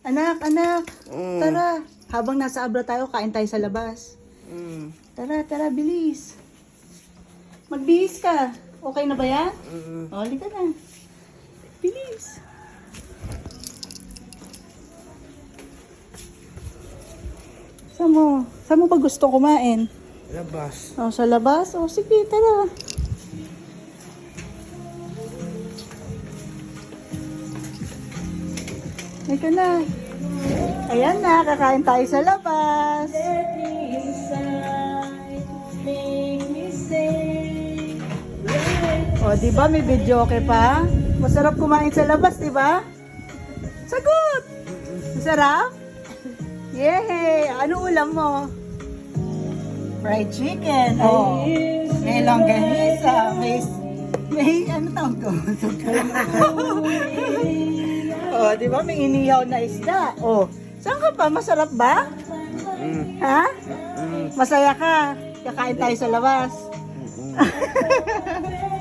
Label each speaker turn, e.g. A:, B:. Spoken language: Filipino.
A: Anak, anak. Tara. Habang nasa abra tayo, kain tayo sa labas. Tara, tara, bilis. Magbihis ka. Okay na ba yan? O, halika na. Bilis. Saan mo ba gusto kumain?
B: Labas.
A: O, sa labas? O, sige, tara. Halika na. Ayan na, kakain tayo sa labas. O, di ba may video okay pa? Masarap kumain sa labas, di ba? Sagot! Masarap? Yay! Ano ulam mo? Fried chicken. Oh. May longganisa. May ano tawag ko? Oh, di ba? May inihaw na isda. Oh. Saan ka pa? Masarap ba? Ha? Masaya ka? Kakain tayo sa labas.